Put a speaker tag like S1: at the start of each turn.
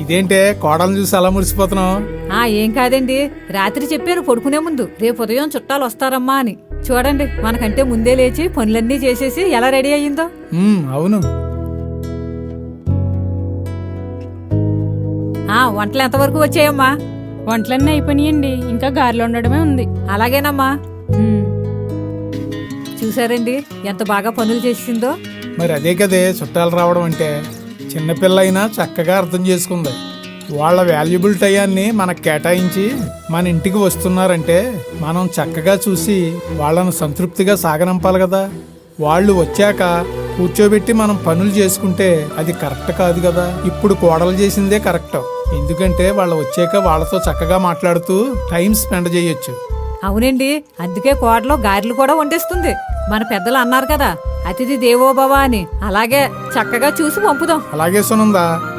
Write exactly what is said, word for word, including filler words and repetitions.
S1: ఇదేంటే కోడలు చూసి అలా మురిసిపోతున్నావు?
S2: ఆ ఏం కాదండి, రాత్రి చెప్పారు పడుకునే ముందు రేపు ఉదయం చుట్టాలు వస్తారమ్మా అని. చూడండి మనకంటే ముందే లేచి పనులన్నీ చేసేసి ఎలా రెడీ అయ్యిందో.
S1: ఉమ్, అవును.
S2: ఆ వంటలు ఎంతవరకు వచ్చాయమ్మా?
S3: వంటలన్నీ అయిపోయినాయండి, ఇంకా గారెలు ఉండడమే ఉంది.
S2: అలాగేనమ్మా. చూసారండి ఎంత బాగా పనులు చేసిందో.
S1: మరి అదే కదే చుట్టాలు రావడం అంటే. చిన్నపిల్ల అయినా చక్కగా అర్థం చేసుకుంది. వాళ్ళ వాల్యుబుల్ టయాన్ని మనకు కేటాయించి మన ఇంటికి వస్తున్నారంటే మనం చక్కగా చూసి వాళ్ళను సంతృప్తిగా సాగనంపాలి కదా. వాళ్ళు వచ్చాక కూర్చోబెట్టి మనం పనులు చేసుకుంటే అది కరెక్ట్ కాదు కదా. ఇప్పుడు కోడలు చేసిందే కరెక్ట్. ఎందుకంటే వాళ్ళు వచ్చాక వాళ్ళతో చక్కగా మాట్లాడుతూ టైం స్పెండ్ చేయొచ్చు.
S2: అవునండి, అందుకే కోడలో గారెలు కూడా వండేస్తుంది. మన పెద్దలు అన్నారు కదా, అతిథి దేవోభవ అని. అలాగే చక్కగా చూసి పంపుదాం.
S1: అలాగే సునందా.